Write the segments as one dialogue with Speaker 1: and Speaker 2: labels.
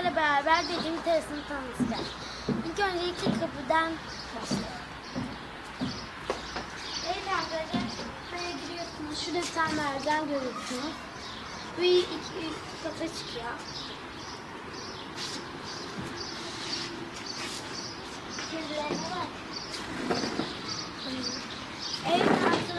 Speaker 1: sizlerle beraber dediğim terasını tanıtacağız. İlk öncelikle kapıdan başlayalım. Evet arkadaşlar, buraya giriyorsunuz. Şurada bir tane merdiven görüyorsunuz. Bu iki kata çıkıyor. Kedilerine bak. Evet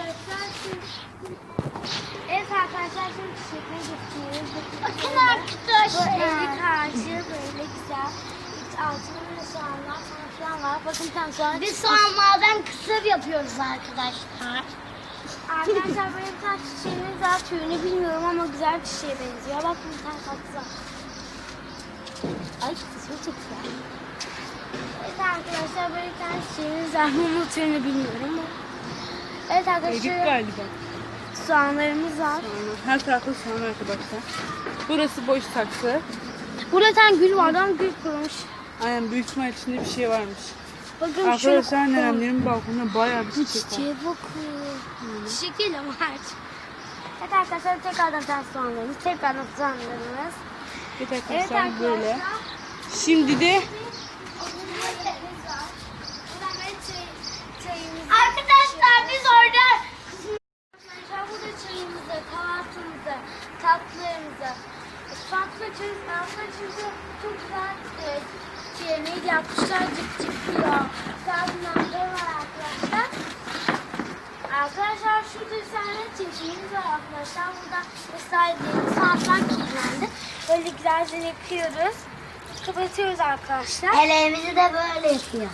Speaker 1: arkadaşlar şimdi çiçekleri getiriyoruz.
Speaker 2: Bakın arkadaşlar.
Speaker 1: Bu evli karşı böyle güzel. Altında böyle soğanlar falan var. Bakın bir tane soğan.
Speaker 2: Biz soğanlardan kısır yapıyoruz arkadaşlar.
Speaker 1: Arkadaşlar böyle bir tane çiçeğimiz var. Türünü bilmiyorum ama güzel bir çiçeğe benziyor. Bakın bir tane tatlı var. Ay kısmı çok güzel. Evet arkadaşlar böyle bir tane çiçeğimiz var. Bunun türünü bilmiyorum ama. Evet arkadaşlar.
Speaker 3: Erik galiba.
Speaker 1: Soğanlarımız var.
Speaker 3: Her tarafta soğan arkadaşlar. Burası boş saksı.
Speaker 1: Burada bir tane gül vardı ama gül kurumuş.
Speaker 3: Aynen büyük ihtimal içinde bir şey varmış.
Speaker 1: Bakın
Speaker 3: Arkadaşlar nenemlerin balkonunda bayağı bir
Speaker 1: bu
Speaker 3: çiçek var.
Speaker 1: çiçeğe bakın. Çiçek değil ama ağaç. Evet arkadaşlar tekrardan ters soğanlarımız. Tekrardan soğanlarımız.
Speaker 3: Evet
Speaker 1: Evet
Speaker 3: arkadaşlar
Speaker 1: arkadaşlar.
Speaker 3: böyle. Şimdi de
Speaker 2: Arkadaşlar biz orada
Speaker 1: Arkadaşlar burada çayımızı, kahvaltımızı, tatlılarımızı, tatlı çünkü çok güzel neydi yapmışlar, cık diyor. Güzel var arkadaşlar. Arkadaşlar şurada bir tane çeşimiz var arkadaşlar. Burada vesaire saatler kilitlendi. Böyle güzelce yapıyoruz. Kapatıyoruz arkadaşlar.
Speaker 2: ellerimizi de böyle yapıyor.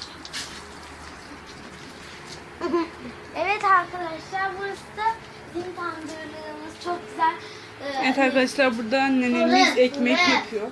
Speaker 1: Evet arkadaşlar burası da bizim tandırlığımız çok güzel.
Speaker 3: evet arkadaşlar burada nenemiz ekmek yapıyor.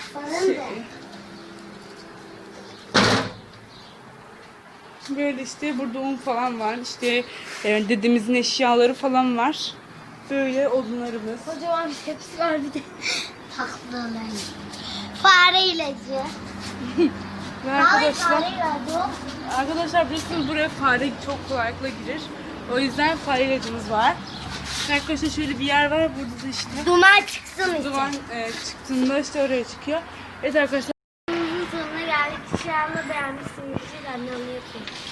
Speaker 3: Böyle işte burada un falan var. İşte dedemizin eşyaları falan var. Böyle odunlarımız.
Speaker 1: Kocaman bir tepsi var bir de.
Speaker 2: Tatlılar. Fare ilacı.
Speaker 3: Ve
Speaker 2: Fare
Speaker 3: arkadaşlar
Speaker 2: ilacı.
Speaker 3: Arkadaşlar biliyorsunuz buraya fare çok kolaylıkla girer. O yüzden fare ilacımız var. Arkadaşlar şöyle bir yer var. Burada da işte
Speaker 2: Duman çıksın işte.
Speaker 3: duman çıktığında işte oraya çıkıyor. Evet arkadaşlar.
Speaker 1: Videomuzun sonuna geldik. İnşallah beğenmişsinizdir. Annemle yapayım.